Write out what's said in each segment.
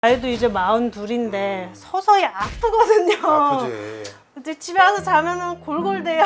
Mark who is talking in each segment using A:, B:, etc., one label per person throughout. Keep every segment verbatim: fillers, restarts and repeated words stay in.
A: 아이도 이제 마흔둘인데 서서히 아프거든요.
B: 아프지.
A: 이제 집에 와서 자면은 골골대요.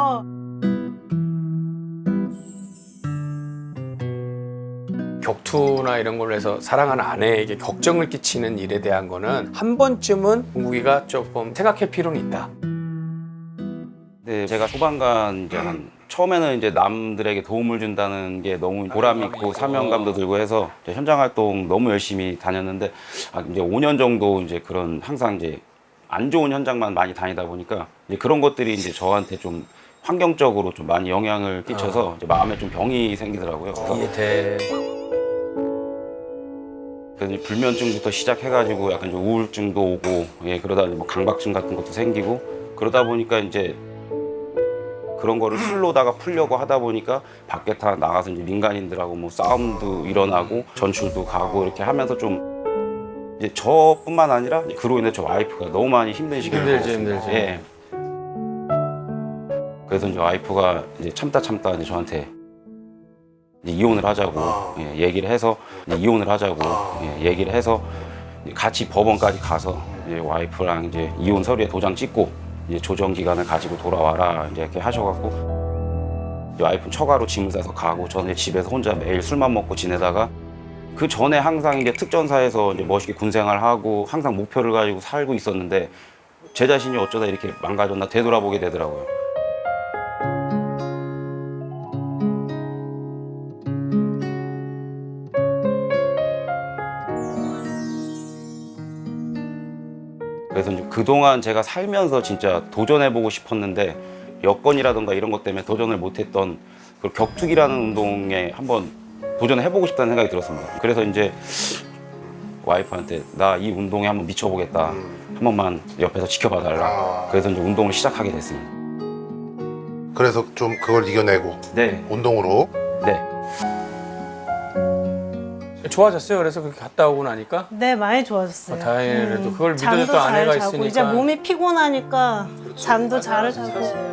C: 격투나 이런 걸로 해서 사랑하는 아내에게 걱정을 끼치는 일에 대한 거는 한 번쯤은 동국이가 조금 생각할 필요는 있다.
D: 네, 제가 소방관 이제 한 처음에는 이제 남들에게 도움을 준다는 게 너무 보람 있고 사명감도 들고 해서 이제 현장 활동 너무 열심히 다녔는데 아, 이제 오 년 정도 이제 그런 항상 이제 안 좋은 현장만 많이 다니다 보니까 이제 그런 것들이 이제 저한테 좀 환경적으로 좀 많이 영향을 끼쳐서 이제 마음에 좀 병이 생기더라고요. 그래서
C: 이해돼.
D: 그래서 이제 불면증부터 시작해가지고 약간 좀 우울증도 오고 예 그러다 뭐 강박증 같은 것도 생기고 그러다 보니까 이제 그런 거를 술로다가 풀려고 하다 보니까 밖에 다 나가서 이제 민간인들하고 뭐 싸움도 일어나고 전출도 가고 이렇게 하면서 좀 이제 저뿐만 아니라 그로 인해 저 와이프가 너무 많이 힘든 시기를
C: 힘들지,
D: 겪었습니다.
C: 힘들지.
D: 예. 그래서 이제 와이프가 이제 참다 참다 이제 저한테 이제 이혼을 하자고
B: 아.
D: 예, 얘기를 해서 이제 이혼을 하자고
B: 아.
D: 예, 얘기를 해서 이제 같이 법원까지 가서 이제 와이프랑 이제 이혼 서류에 도장 찍고 이제 조정 기간을 가지고 돌아와라 이제 이렇게 하셔갖고 이제 와이프는 처가로 짐을 싸서 가고 저는 집에서 혼자 매일 술만 먹고 지내다가 그 전에 항상 이제 특전사에서 이제 멋있게 군생활하고 항상 목표를 가지고 살고 있었는데 제 자신이 어쩌다 이렇게 망가졌나 되돌아보게 되더라고요. 그래서 이제 그동안 제가 살면서 진짜 도전해보고 싶었는데 여건이라든가 이런 것 때문에 도전을 못했던 그 격투기라는 운동에 한번 도전해보고 싶다는 생각이 들었습니다. 그래서 이제 와이프한테 나 이 운동에 한번 미쳐보겠다. 한 번만 옆에서 지켜봐달라. 그래서 이제 운동을 시작하게 됐습니다.
B: 그래서 좀 그걸 이겨내고
D: 네,
B: 운동으로.
D: 네.
C: 좋아졌어요. 그래서 그렇게 갔다 오고 나니까
A: 네, 많이 좋아졌어요.
C: 어, 다행이네. 그래도 그걸
A: 잠도
C: 믿어줬던
A: 잘
C: 아내가
A: 자고,
C: 있으니까.
A: 이제 몸이 피곤하니까 잠도 잘 자고.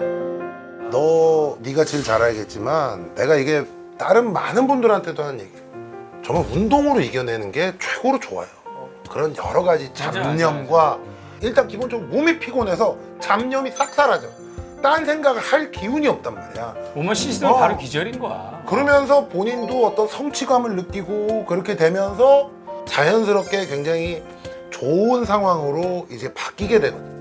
B: 너 네가 제일 잘 알겠지만 내가 이게 다른 많은 분들한테도 하는 얘기예요. 정말 운동으로 이겨내는 게 최고로 좋아요. 그런 여러 가지 잡념과 일단 기본적으로 몸이 피곤해서 잡념이 싹 사라져. 딴 생각을 할 기운이 없단 말이야.
C: 몸만 씻으면
B: 어.
C: 바로 기절인 거야.
B: 그러면서 본인도 어떤 성취감을 느끼고 그렇게 되면서 자연스럽게 굉장히 좋은 상황으로 이제 바뀌게 되거든요.